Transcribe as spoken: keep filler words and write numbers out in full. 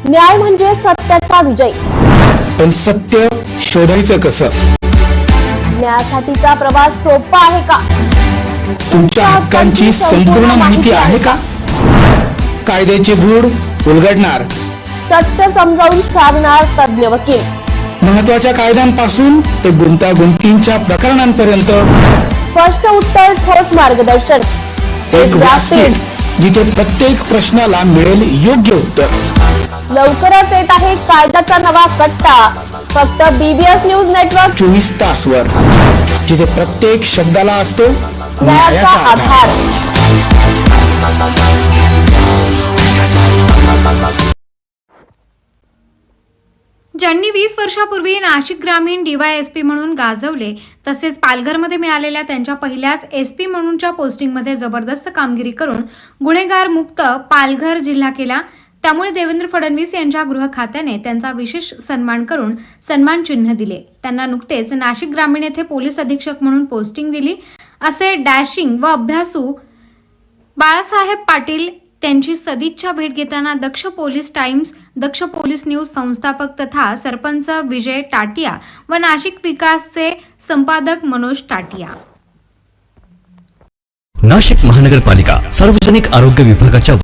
न्याय म्हणजे सत्याचा विजय। पण सत्य शोधायचं कसं? न्यायासाठीचा प्रवास सोपा आहे का? तुमच्या हक्कांची संपूर्ण माहिती आहे का? कायद्याचे गूढ उलगडणार, सत्य समजावून सांगणार तज्ञ वकील। महत्त्वाच्या कायद्यांपासून ते गुंतागुंतीच्या प्रकरणांपर्यंत स्पष्ट उत्तर, ठोस मार्गदर्शन। एक व्यासपीठ जिथे प्रत्येक प्रश्नाला मिळेल योग्य उत्तर। लवकरच येत आहे कायद्याचा नवा कट्टा, फक्त बीबीएस न्यूज नेटवर्क चोवीस तास वर, जिथे प्रत्येक शब्दाला असतो न्यायाचा आधार। ज्यांनी वीस वर्षापूर्वी नाशिक ग्रामीण डीवायएसपी म्हणून गाजवले, तसेच पालघरमध्ये मिळालेल्या त्यांच्या पहिल्याच एसपी म्हणूनच्या पोस्टिंगमध्ये जबरदस्त कामगिरी करून गुन्हेगार मुक्त पालघर जिल्हा केला, त्यामुळे देवेंद्र फडणवीस यांच्या गृह खात्याने त्यांचा विशेष सन्मान करून सन्मान चिन्ह दिले। त्यांना नुकतेच नाशिक ग्रामीण येथे पोलीस अधीक्षक म्हणून पोस्टिंग दिली, असे डॅशिंग व अभ्यासू बाळासाहेब पाटील त्यांची सदिच्छा भेट घेताना Daksh police Times, Daksh police news संस्थापक तथा सरपंच विजय टाटिया व नाशिक विकासचे संपादक मनोज टाटिया। नाशिक महानगरपालिका सार्वजनिक आरोग्य विभागाच्या